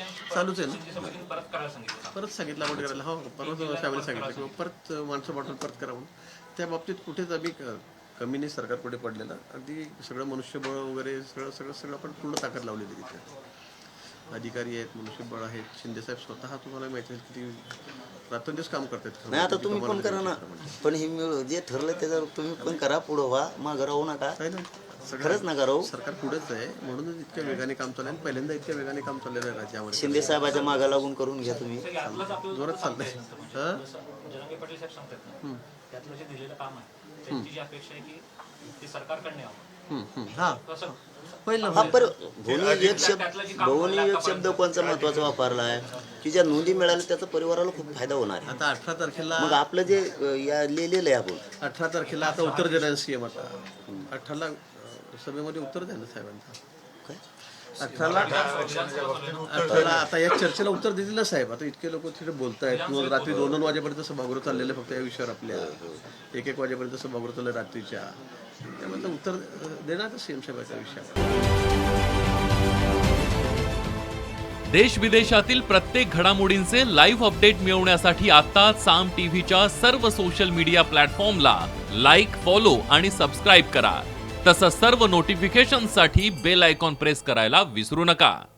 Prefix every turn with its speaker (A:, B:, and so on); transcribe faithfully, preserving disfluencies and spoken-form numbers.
A: चालूच आहे ना, परत सांगितलं आपण करायला. हो, परत फॅमिली सांगितलं किंवा परत माणसं पाठवून परत करा म्हणून. त्या बाबतीत कुठेच आम्ही क- कमी नाही सरकार पुढे पडलेलं. अगदी सगळं मनुष्यबळ वगैरे सगळं सगळं सगळं आपण पूर्ण ताकद लावलेली तिथे. अधिकारी आहेत, मनुष्यबळ आहेत. शिंदेसाहेब स्वतः तुम्हाला माहिती आहे किती रात्रंदिवस काम करतात.
B: नाही आता तुम्ही पण करा ना, पण हे मिळू जे ठरलं त्याच्यावर तुम्ही पण करा, पुढं व्हा, मागं राहू नका.
A: काय नाही,
B: खरंच नका राहू.
A: सरकार पुढेच आहे म्हणूनच इतक्या वेगाने काम चाललं आहे. पहिल्यांदा इतक्या वेगाने काम चाललेलं आहे राज्यामध्ये.
B: शिंदे साहेबाच्या मागा लागून करून घ्या तुम्ही.
A: जोरात चाललंय. हां
C: जरांगे पाटील साहेब सांगतात ना, त्यातलं जे दिलेलं काम आहे त्यांची जी अपेक्षा आहे की ते सरकारकडे यावं.
A: हां
C: कसं
A: पहिलं
B: हा पर भोवनी एक शब्द भोवनी एक शब्द कोणचा महत्वाचा वापरला आहे की ज्या नोंदी मिळाल्या त्याचा परिवाराला खूप फायदा होणार आहे.
A: आता अठरा तारखेला
B: मग आपलं जे अ, या लिहिलेलं आहे आपण
A: अठरा तारखेला आता उत्तर देणार सीएम. आता अठराला अं, सभेमध्ये उत्तर द्यायला साहेबांचं.
B: काय?
A: अठराला अठराला आता या चर्चेला उत्तर देतील ना साहेब. आता इतके लोक तिथे बोलतायत. रोज रात्री दोन दोन वाजेपर्यंत सभागृह चाललेलं आहे फक्त या विषयावर आपल्या. एक एक वाजेपर्यंत सभागृह चाललं रात्रीच्या. त्यामुळे उत्तर देणार सीएम साहेबाच्या विषयावर.
D: देश विदेशातील प्रत्येक घडामोडींचे लाईव्ह अपडेट मिळवण्यासाठी आता साम टीव्हीच्या सर्व सोशल मीडिया प्लॅटफॉर्मला लाईक, फॉलो आणि सबस्क्राईब करा. तसंच सर्व नोटिफिकेशनसाठी बेल आयकॉन प्रेस करायला विसरू नका.